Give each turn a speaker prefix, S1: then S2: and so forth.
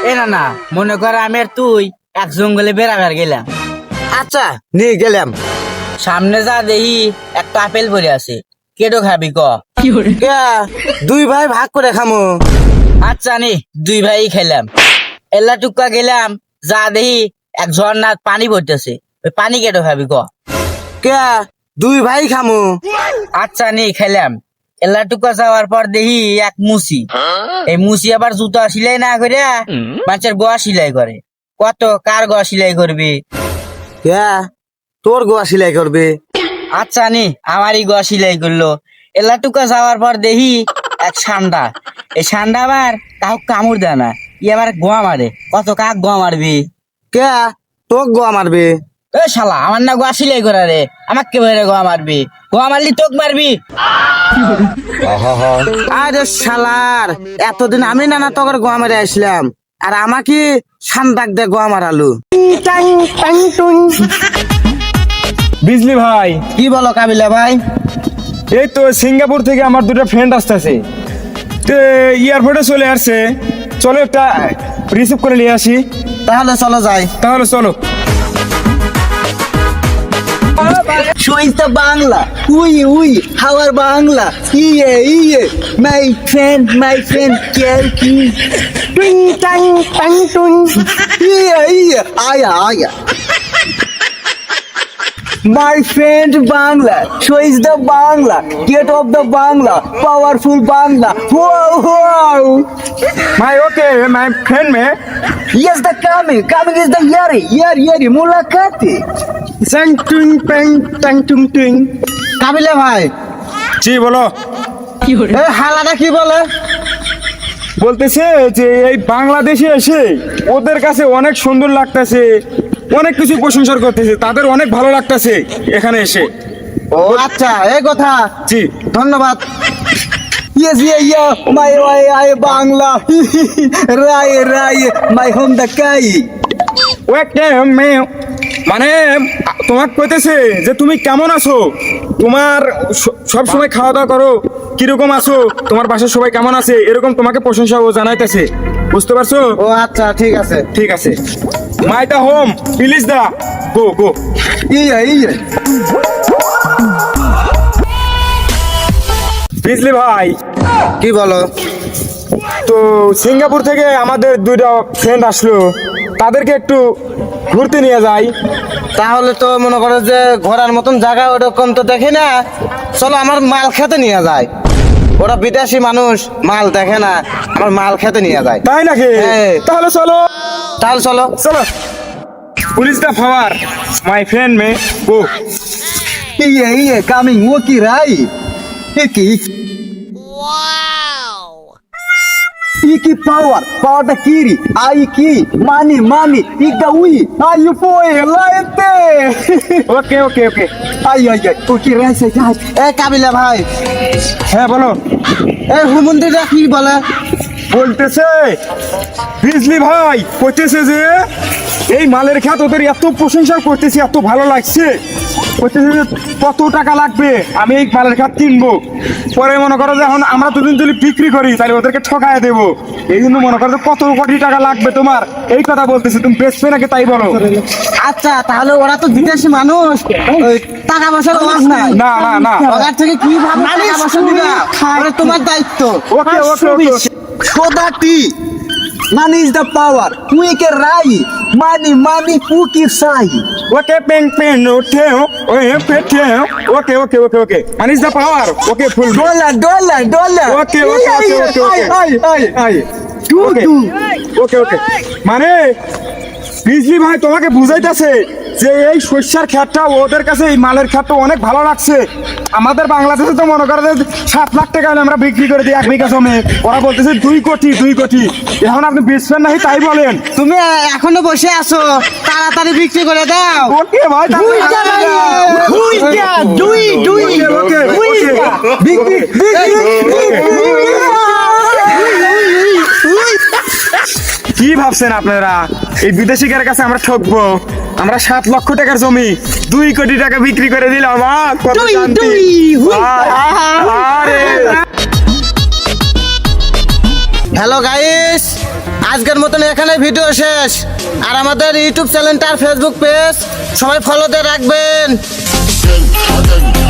S1: এ না না মনে কর আমি আর তুই এক জঙ্গলে বেড়াবার গেলাম।
S2: আচ্ছা নিয়ে গেলাম।
S1: সামনে যা দেখি একটা আপেল পড়ে আছে, কেটো খাবি ক?
S2: কে? দুই ভাই ভাগ করে খামো।
S1: আচ্ছা নি দুই ভাই খেলাম। এলা টুকা গেলাম, যা দেখি এক ঝর্ণার পানি পড়তেছে, ওই পানি কেটো খাবি ক?
S2: কে? দুই ভাই খামো।
S1: আচ্ছা নি খেলাম। এলা টুকা যাওয়ার পর দেখি এক মুসি, এই মুসি আবার জুতা সিলাই না করে মানুষের গোয়া সিলাই করে। কত কার গোয়া সিলাই করবি?
S2: কে? তোর গোয়া সিলাই করবে?
S1: আচ্ছা নি আমারই গোয়া সিলাই করলো। এলা টুকা যাওয়ার পর দেখি এক সান্ডা, এই সান্ডা আবার কাউ কামড় দেয় না, ই আবার গোয়া মারে। কত কাক গোয়া মারবি?
S2: কে? তোক গোয়া মারবে?
S1: এ শালা আমার না গোয়া সিলাই করা রে, আমাকে কে বেরে গোয়া মারবি? গোয়া মারলি তোক মারবি।
S2: আরে শালার, এতদিন আমি নানা তোর গোয়া মারে আসলাম, আর আমাকে সান্দাক দে গোয়া মারালু।
S3: বিজলি ভাই,
S2: কি বলো কাবিলা ভাই?
S3: এই তো সিঙ্গাপুর থেকে আমার দুটো ফ্রেন্ড আসতেছে, তো এয়ারপোর্টে চলে আসছে। চলো একটা রিসিভ করে নিয়ে আসি।
S2: তাহলে চলো যাই।
S3: তাহলে চলো।
S2: Show বাংলা, উই হাওয়ার বাংলা, ইয়ে মাই ফ্রেন্ড কেয়ার কি টুং টাং টাং টুং, ইয়ে আয়া My friend Bangla, show is the Bangla, get of the Bangla, powerful Bangla, wow.
S3: My okay my friend may
S2: Yes, the coming is the yari, mulakati. Sang tung peng tang tung tung. Kabila ভাই,
S3: জি বলো।
S2: এ হালাটা কি বলে?
S3: বলতেছে যে এই বাংলাদেশে এসে ওদের কাছে অনেক সুন্দর লাগতেছে, অনেক কিছু প্রশংসা করতেছে, তাদের অনেক ভালো লাগতেছে এখানে এসে।
S2: ও আচ্ছা, এই কথা।
S3: জি
S2: ধন্যবাদ। Yes, yeah, my Bangla, Roy, my home the kai.
S3: ওকে মানে তোমাকে কইতেছে যে তুমি কেমন আছো, তোমার সব সময় খাওয়া দাওয়া করো, কিরকম আছো, তোমার বাসার সবাই কেমন আছে, এরকম তোমাকে প্রশংসা ও জানাইতেছে। বুঝতে পারছো?
S2: ও আচ্ছা, ঠিক আছে।
S3: ঠিক আছে। My the home please the go.
S2: Yeah
S3: Bijli ভাই,
S2: কি বলো?
S3: তো সিঙ্গাপুর থেকে আমাদের দুইটা ফ্রেন্ড আসলো, তাদেরকে একটু ঘুরতে নিয়ে যাই।
S2: তাহলে তো মনে করো যে ঘোরার মতন জায়গা ওরকম তো দেখি না, চলো আমার মাল খেতে নিয়ে যায়। ওরা বিদেশি মানুষ, মাল দেখে না, আমার মাল খেতে নিয়ে যায়।
S3: তাই নাকি?
S2: হ্যাঁ।
S3: তাহলে চলো
S2: চলো।
S3: Police the power my friend may go.
S2: Yeah coming ও কি রাই কি পাওয়ারটা কি রে? আই কি মানি ইগদা উই আর ইউ ফোয়ে লাইতে।
S3: ওকে
S2: আই ও কি রাইছে যাই। এ কাবিলা ভাই,
S3: হ্যাঁ বলো।
S2: এ হুমন্দিরা কি বলে?
S3: বলতেছে বিজলি ভাই কইতেছে যে এই মালের খ্যাত ওদের এত প্রশংসা করতেছি, এত ভালো লাগছে, কইতেছে যে কত টাকা লাগবে আমি এই মালের খ্যাত কিনবো, পরে মনে করো যে এখন আমরা দুদিন যদি বিক্রি করি তাহলে ওদেরকে ঠকায় দেবো, এই জন্য মনে করো যে কত কোটি টাকা লাগবে তোমার, এই কথা বলতেছে। তুমি বেচবে নাকি তাই বলো।
S2: আচ্ছা, তাহলে ওরা তো বিদেশি মানুষ, ওই টাকা পয়সার অভাব নাই।
S3: না
S2: ওদের থেকে কি ভাবে টাকা পয়সা দিবা? ওটা তোমার দায়িত্ব।
S3: ওকে
S2: সোদাটি money is the power, we কে রাই, মানি হু কি সাই।
S3: ওকে পেন ওঠে ওয়ে পেটে okay and is the power okay full
S2: dollar
S3: okay মানে বিজলি ভাই তোমাকে বুঝাইতেছে যে এই শস্যের ক্ষেতটা ওদের কাছে এই মালের ক্ষেতটা অনেক ভালো লাগছে। আমাদের বাংলাদেশে তো মনে করে যে 7 লাখ টাকা আমরা বিক্রি করে দিই 1 বিঘা জমি, ওরা বলতেছে 2 কোটি। এখন আপনি বেচবেন নাকি তাই বলেন?
S2: তুমি এখনো বসে আছো, তাড়াতাড়ি বিক্রি করে দাও।
S3: ওকে ভাই কি ভাবছেন আপনারা এই বিদেশিদের কাছে আমরা ঠকবো? আমরা 7 লক্ষ টাকার জমি 2 কোটি টাকা বিক্রি করে দিলাম। কত শান্তি! আরে
S2: হ্যালো গাইস, আজকের মতন এখানে ভিডিও শেষ। আর আমাদের ইউটিউব চ্যানেলটা আর ফেসবুক পেজ সবাই ফলোতে রাখবেন।